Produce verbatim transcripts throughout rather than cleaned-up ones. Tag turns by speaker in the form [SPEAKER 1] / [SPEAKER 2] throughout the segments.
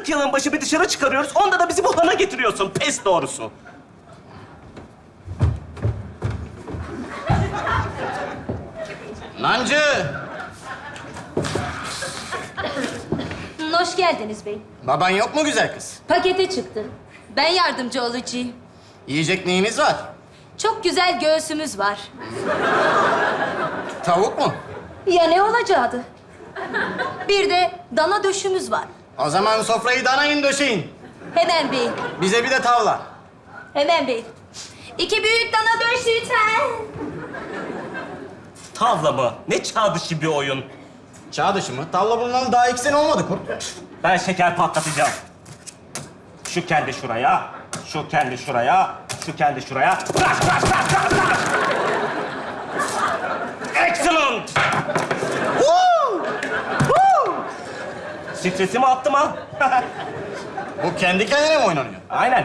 [SPEAKER 1] kırk yılın başı bir dışarı çıkarıyoruz. Onda da bizi bu hana getiriyorsun. Pes doğrusu.
[SPEAKER 2] Nancı!
[SPEAKER 3] Hoş geldiniz bey.
[SPEAKER 2] Baban yok mu güzel kız?
[SPEAKER 3] Pakete çıktı. Ben yardımcı olacağım.
[SPEAKER 2] Yiyecek neyiniz var?
[SPEAKER 3] Çok güzel göğsümüz var.
[SPEAKER 2] Tavuk mu?
[SPEAKER 3] Ya ne olacaktı? Bir de dana döşümüz var.
[SPEAKER 2] O zaman sofrayı danayın döşeyin.
[SPEAKER 3] Hemen bey.
[SPEAKER 2] Bize bir de tavla.
[SPEAKER 3] Hemen bey. İki büyük dana döş lütfen.
[SPEAKER 1] Tavla mı? Ne çağ dışı bir oyun.
[SPEAKER 2] Çağ dışı mı? Tavla bulunalı daha iki sene olmadı kurt.
[SPEAKER 1] Ben şeker patlatacağım. Şu kendi şuraya, şu kendi şuraya, şu kendi şuraya. Rush, rush, rush, rush, rush. Excellent! Woo! Woo! Stresimi attım ha.
[SPEAKER 2] Bu kendi kendine mi oynanıyor?
[SPEAKER 1] Aynen.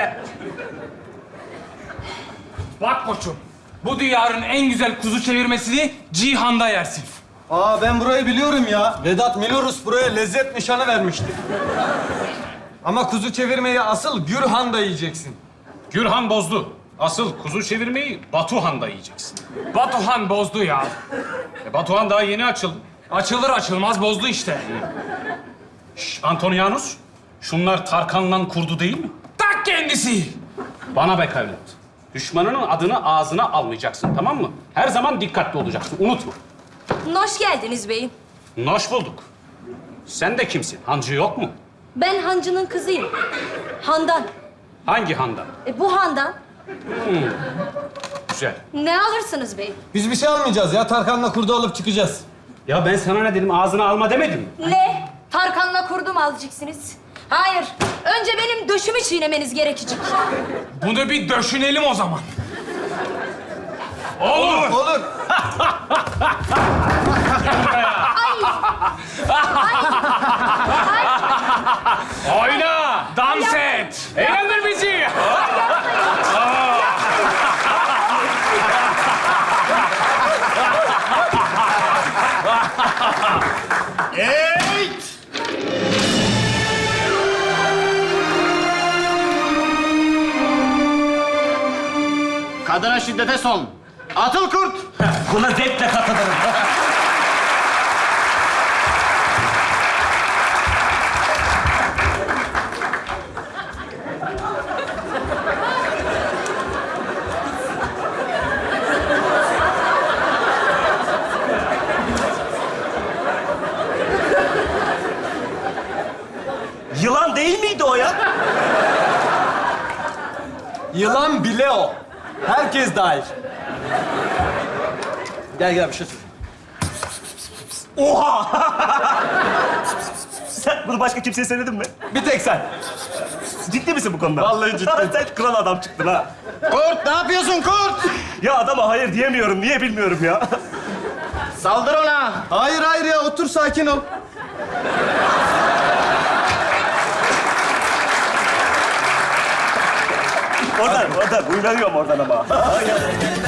[SPEAKER 4] Bak koçum, bu diyarın en güzel kuzu çevirmesini Cihan'da yersin.
[SPEAKER 5] Aa ben burayı biliyorum ya. Vedat Milorus buraya lezzet nişanı vermişti. Ama kuzu çevirmeyi asıl Gürhan'da yiyeceksin.
[SPEAKER 6] Gürhan bozdu. Asıl kuzu çevirmeyi Batuhan'da yiyeceksin.
[SPEAKER 4] Batuhan bozdu ya.
[SPEAKER 6] E, Batuhan daha yeni açıldı.
[SPEAKER 4] Açılır açılmaz bozdu işte.
[SPEAKER 6] Şş, Antonianus, şunlar Tarkan'la kurdu değil mi?
[SPEAKER 4] Tak kendisi.
[SPEAKER 6] Bana bak evlat. Düşmanının adını ağzına almayacaksın, tamam mı? Her zaman dikkatli olacaksın, unutma.
[SPEAKER 3] Hoş geldiniz beyim.
[SPEAKER 6] Hoş bulduk. Sen de kimsin? Hancı yok mu?
[SPEAKER 3] Ben hancının kızıyım. Handan.
[SPEAKER 6] Hangi handan?
[SPEAKER 3] E, bu handan.
[SPEAKER 6] Güzel.
[SPEAKER 3] Ne alırsınız bey?
[SPEAKER 5] Biz bir şey almayacağız ya. Tarkan'la kurdu alıp çıkacağız.
[SPEAKER 6] Ya ben sana ne dedim? Ağzına alma demedim mi?
[SPEAKER 3] Ne? Tarkan'la kurdum alacaksınız. Hayır. Önce benim döşümü çiğnemeniz gerekecek.
[SPEAKER 4] Bunu bir döşünelim o zaman.
[SPEAKER 5] Olur. Olur.
[SPEAKER 4] Oyna, dans et, eğlendir bizi.
[SPEAKER 2] Eğit! Kadına şiddete son. Atıl kurt!
[SPEAKER 1] Buna zevkle katılırım. Yılan değil miydi o ya?
[SPEAKER 5] Yılan bile o. Herkes dahil. Gel gel bir şey söyle.
[SPEAKER 1] Oha! Sen bunu başka kimseye söyledin mi?
[SPEAKER 5] Bir tek sen.
[SPEAKER 1] Ciddi misin bu konuda?
[SPEAKER 5] Vallahi ciddiyim.
[SPEAKER 1] Sen kral adam çıktın ha.
[SPEAKER 2] Kurt ne yapıyorsun kurt?
[SPEAKER 1] Ya adama hayır diyemiyorum. Niye bilmiyorum ya.
[SPEAKER 2] Saldır ona.
[SPEAKER 5] Hayır hayır ya otur sakin ol.
[SPEAKER 1] Oradan, oradan. Uyanıyorum oradan ama. Aynen.